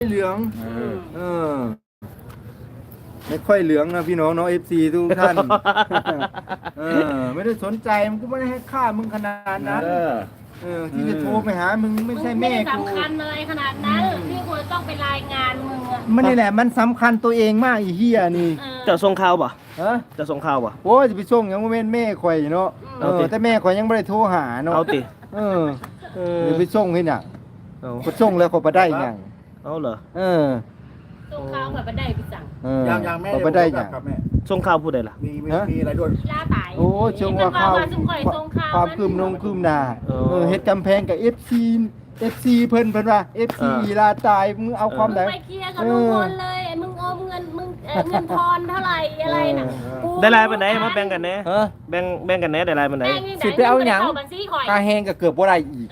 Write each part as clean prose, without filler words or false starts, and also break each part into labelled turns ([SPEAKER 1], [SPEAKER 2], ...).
[SPEAKER 1] เหลืองเออไม่ค่อยเหลืองนะพี่น้องเนาะ FC ทุกท่านไม่ได้สนใจมันก็ไม่ได้ให้ค่ามึงขนาดนั้นที่จะโทรไปหามึงไม่ใช่แม่กู
[SPEAKER 2] สำคัญอะไรขนาดนั้นที่กูต้องไปรายงานมึงอะ
[SPEAKER 1] มันนี่แหละมันสำคัญตัวเองมากไอ้เหี้ยนี่
[SPEAKER 3] จะส่งข่าวป่ะ
[SPEAKER 1] ฮะ
[SPEAKER 3] จะส่งข่าวป่ะ
[SPEAKER 1] โอ้ยจะไปส่งยังไม่เป็นแม่ข่อยเนาะแต่แม่ข่อยยังไม่ได้โทรหาเนาะ
[SPEAKER 3] เอาติ
[SPEAKER 1] เดี๋ยวไปส่งให้น่ะ
[SPEAKER 3] เอา
[SPEAKER 1] ก็ส่งแล้วก็บ่ได้หยัง
[SPEAKER 3] เอาเหรอ
[SPEAKER 2] ส่งข่าวแบบบันไดไปสั่ง
[SPEAKER 4] ยังแม่
[SPEAKER 1] ก็บ่ได้หยัง
[SPEAKER 4] ครับแม่
[SPEAKER 3] ส่งข่าวผู้ใดล่ะ
[SPEAKER 4] มีอะไรด้วย
[SPEAKER 2] กีฬาตาย
[SPEAKER 1] โอ้เชิงว่าข้าว
[SPEAKER 2] ซุ่มข่อยส่งข่าว
[SPEAKER 1] ความคืมนงคืมนาเฮ็ดกำแพงกับ FC เพิ่นว่า FC อีลาตายมึงเอาความไหน
[SPEAKER 2] ไปเคลียร์กับลุงพลเลยมึงอมเงินเงินทอนเท่าไหร่อะไรน่ะ
[SPEAKER 3] ได้รายปานใดมาแบ่งกันแหน่
[SPEAKER 1] ฮะ
[SPEAKER 3] แบ่งกันแหน่ได้รายปานใด
[SPEAKER 1] สิไปเอาหยัง
[SPEAKER 2] บัญชีข่อย
[SPEAKER 1] ค่าแห้งก็เกือบบ่ได้อีก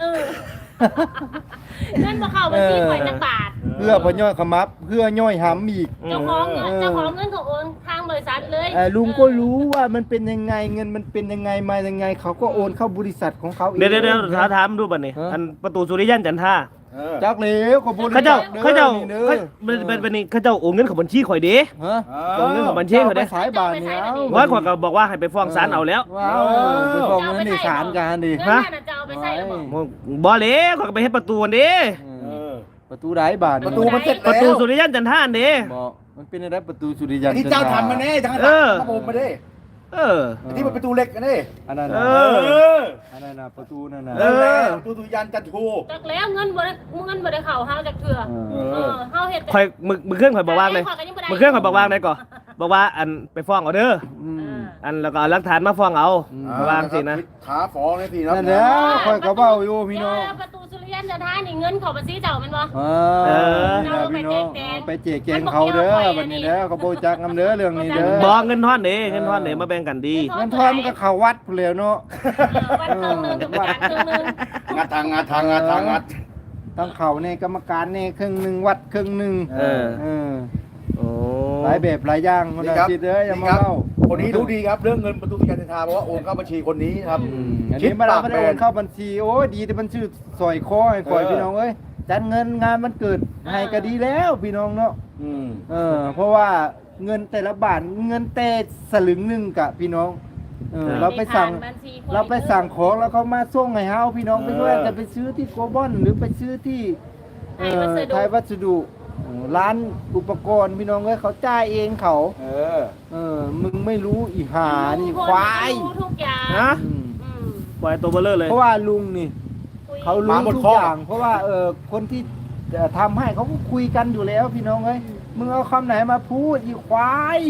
[SPEAKER 2] เงินบ่เข้าบัญชีข่อยจักบาท
[SPEAKER 1] เพื่อพย่อยขมับเพื่อย่อยหำอีก
[SPEAKER 2] เจ้าของเงินเขาโอนทางบริษัทเลย
[SPEAKER 1] ลุงก็รู้ว่ามันเป็นยังไงเงินมันเป็นยังไงมายังไงเขาก็โอนเข้าบริษัทของเขาเอง
[SPEAKER 3] เดี๋ยวถามดูบัดนี้อันประตูสุริยันจันทรา
[SPEAKER 1] จักเหลวขบวน
[SPEAKER 3] เขาเจ้า
[SPEAKER 1] เป็น
[SPEAKER 3] เป็นนี่เขาเจ้าโอนเงินเข้าบัญชีข่อยเด้
[SPEAKER 1] ฮะ
[SPEAKER 3] โอนเงินเข้าบัญชีข่อยเด้
[SPEAKER 1] สายบานเนี่ย
[SPEAKER 3] ว่าข่อยก็บอกว่าให้ไปฟ้องศาลเอาแล้ว
[SPEAKER 1] ว้าวไปฟ้องเงินในศาลกันดิ
[SPEAKER 2] เงินนั่นจะเอาไปใส่ระบบ
[SPEAKER 3] บ่เลยข่อยก็ไปเฮ็ดประตูอันเด้
[SPEAKER 1] ประตูไหนบาน
[SPEAKER 4] ประตูมันเสร็จ
[SPEAKER 3] ประ
[SPEAKER 4] แล้ว
[SPEAKER 3] ตูสุริยันจันทราอันเด้
[SPEAKER 1] บอกมันเป็นอะไรประตูสุริยัน
[SPEAKER 4] ที่เจ้าทำมาแน่ทั้ง
[SPEAKER 3] เอ
[SPEAKER 4] นั้น
[SPEAKER 3] อ
[SPEAKER 4] พระโอมมาดิ ที่มันประตูเหล็กกันดิ
[SPEAKER 1] อันนั้น
[SPEAKER 3] เอ
[SPEAKER 1] นะอันนั้นนะประตูนั่นนะ
[SPEAKER 4] ประตูสุริยันจันทู
[SPEAKER 2] จากแล้วเงินบ่ได้เข้าเฮาจากเถื่อเฮาเฮ็ด
[SPEAKER 3] ข่อยมึกเครื่องข่อยบอกว่าเลยมึกเครื่องข่อยบอกว่าเลยก่อนบอกว่าอันไปฟ้องเอาเด้ออันแล้วก็เอาหลักฐานมาฟ้องเอาวางสินะ
[SPEAKER 4] ขาฟ้องเลยสินะ
[SPEAKER 1] นั่นแหละคอยกระเบ้าอยู่พี่น้อง
[SPEAKER 2] ประตูสุริยันจะท้ายนี่เงินเข้าบัญชีเจ้าแม่นบ่
[SPEAKER 1] พี่น้องไปเจ๊แกงเขาเด้อวันนี้เด้อเขาโบจักนำเด้อเรื่องนี้เด้อ
[SPEAKER 3] บอกเงินทอนเด้เงินทอนเด้มาแบ่งกันดี
[SPEAKER 1] เงินทอนมันก็เข้าวัดพู้นแล้วเนาะ
[SPEAKER 2] วันครึ่งนึงกับวันครึ่งนึง
[SPEAKER 4] งัดทางงัด
[SPEAKER 1] ต้องเข้าในกรรมการในครึ่งหนึงวัดครึ่งหนึง
[SPEAKER 3] โอ้
[SPEAKER 1] หลายแบบหลายอย่างคนละคิดเด้ออย่ามาเล่า
[SPEAKER 4] คนนี้รู้ดีครับเรื่องเงินประตูสุริยันจันทราเพราะว่าโอนเข้าบัญชีคนนี้ครับ
[SPEAKER 1] อันนี้มาเราไม่ได้โอนเข้าบัญชีโอ้ยดีแต่มันชื่อสอยคอให้ข่อยพี่น้องเอ้ยจัดเงินงานมันเกิดให้ก็ดีแล้วพี่น้องเนาะเพราะว่าเงินแต่ละบาทเงินแต่สลึงหนึงกะพี่น้องเราไปสั่งของแล้วเขามาส่งให้เฮาพี่น้องไปด้วยจะไปซื้อที่โกลบอลหรือไปซื้อที่ไทยวัสดุร้านอุปกรณ์พี่น้องเอ้ยเขาจ่ายเองเขามึงไม่รู้อีหานี่ควาย
[SPEAKER 2] ทุกอย่าง
[SPEAKER 3] นะปล่อยตัวเบลเลอร์เลย
[SPEAKER 1] เพราะว่าลุงนี่เขารู้ทุกอย่างเพราะว่าคนที่ทำให้เขาก็คุยกันอยู่แล้วพี่น้องเอ้ยมึงเอาคำไหนมาพูดอีควาย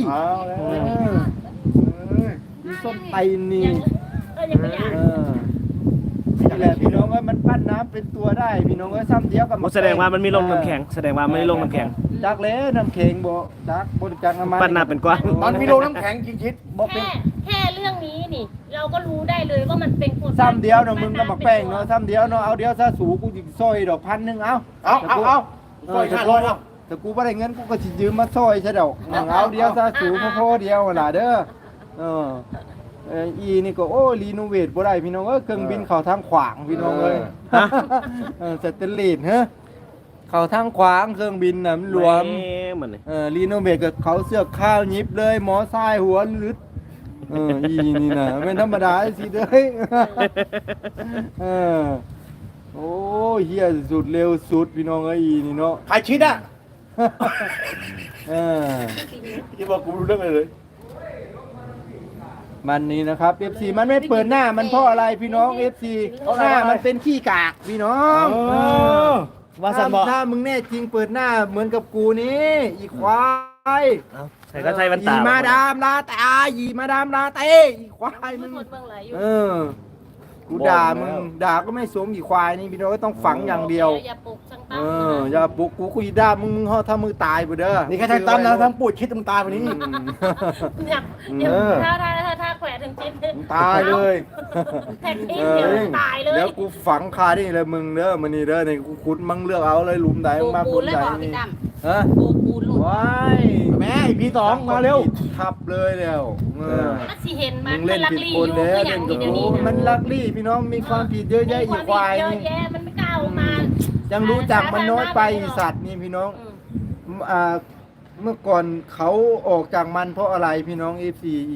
[SPEAKER 1] อีส้มไตนี่นี่แหละพี่น้องเอ้ยมันปั้นน้ำเป็นตัวได้พี่น้องเอ้ยซ้ำเดียวกับ
[SPEAKER 3] แสดงว่ามันมีลงน้ำแข็งแสดงว่าไม่ได้ลงน้ำแข็ง
[SPEAKER 1] จักเล่น้ำแข็งบ่จักบริจักน้ำมัน
[SPEAKER 3] ปั้นน้ำเป็นก้อน
[SPEAKER 4] มันมีโรงน้ำแข็งจริงชิด
[SPEAKER 1] บ่เป็น
[SPEAKER 2] แค่เรื่องนี้นี่ เราก็รู้ได้เลยว่ามันเป็นคน
[SPEAKER 1] ซ้ำเดียวนะมึงก็มาแป้งเนาะซ้ำเดียวเนาะเอาเดียวซะสูกูจิซอยดอก1,000เอา
[SPEAKER 4] ซอย500เอา
[SPEAKER 1] แต่กูบ่ได้เงินกูก็สิยืมมาซอยซะดอกเอาเดียวซะสูพอเดียวล่ะเด้ออีนี่ก็โอ้รีโนเวทบ่ได้พี่น้องเอ้ยเครื่องบินเข้าทางขวางพี่น้องเอ้ยสแตนเลสฮะเข้าทางขวางเครื่องบินน่ะมันหลวม
[SPEAKER 3] เหมือนเลย
[SPEAKER 1] รีโนเวทกับเขาเสือกข้าวยิบเลยหมอทรายหัวลึดอีนี่นะไม่ธรรมดาสิเด้ยโอ้เฮียสุดเร็วสุดพี่น้องเอ้ยอีนี่เนาะ
[SPEAKER 4] ใครชิดอ่ะที่บอกกูรู้เรื่องอะไรเลย
[SPEAKER 1] มันนี่นะครับ FC มันไม่เปิดหน้ามันเพราะอะไรพี่น้อง FC หน้ามันเป็นขี้กากพี่น้อง
[SPEAKER 3] ว่าสันบอก
[SPEAKER 1] ถ้ามึงแน่จริงเปิดหน้าเหมือนกับกูนี่อีควาย
[SPEAKER 3] ใส่ก็ใส่วันตา
[SPEAKER 1] อีมาดามลาตาอีมาดามลาเต้อีควายมึง
[SPEAKER 2] คนเบื้องหลังอยู่
[SPEAKER 1] กูด่ามึงด่าก็ไม่สมอีควายนี่พี่น้องก็ต้องฝังอย่างเดียว
[SPEAKER 2] อย่าปลุกช่างตั้ง
[SPEAKER 1] อย่าปลุกกูคุยด่ามึงห่อถ้ามือตายไปเด้อ
[SPEAKER 4] นี่แค่ทางตั้มนะทั้งปูดคิดมึงตายวันนี้
[SPEAKER 2] อย่าถ้าแขวะถึงจิต
[SPEAKER 1] ตายเลย
[SPEAKER 2] แท็กซี่เดี๋ยวตายเลย
[SPEAKER 1] แล้วกูฝังคานี่เลยมึงเด้อมันนี่เด้อนี่กูขุดมึงเลือกเอาเลยหลุมใดมาขุดใดนี่ฮะว้าย
[SPEAKER 4] แม่พี่สองมาเร็ว
[SPEAKER 1] ทับเลยแล้ว
[SPEAKER 2] มันสิเห็นมั
[SPEAKER 1] มึ
[SPEAKER 2] น
[SPEAKER 1] งเล่น
[SPEAKER 2] ลัก
[SPEAKER 1] ผิด
[SPEAKER 2] ลี่
[SPEAKER 1] คน
[SPEAKER 2] อยู่
[SPEAKER 1] แล้ว
[SPEAKER 2] อ
[SPEAKER 1] เล่
[SPEAKER 2] ย่าง
[SPEAKER 1] นกับ
[SPEAKER 2] เดี๋ยว
[SPEAKER 1] กู
[SPEAKER 2] นี้
[SPEAKER 1] มันลักลี่พี่น้องมีความผิดเยอะแยะอีควาย
[SPEAKER 2] เยอะ
[SPEAKER 1] นี่
[SPEAKER 2] แยะมันไม่กล้าออกมา
[SPEAKER 1] ยังรู้จักมันน้อยไปสัตว์นี่พี่น้องเมื่อก่อนเขาออกจากมันเพราะอะไรพี่น้อง FC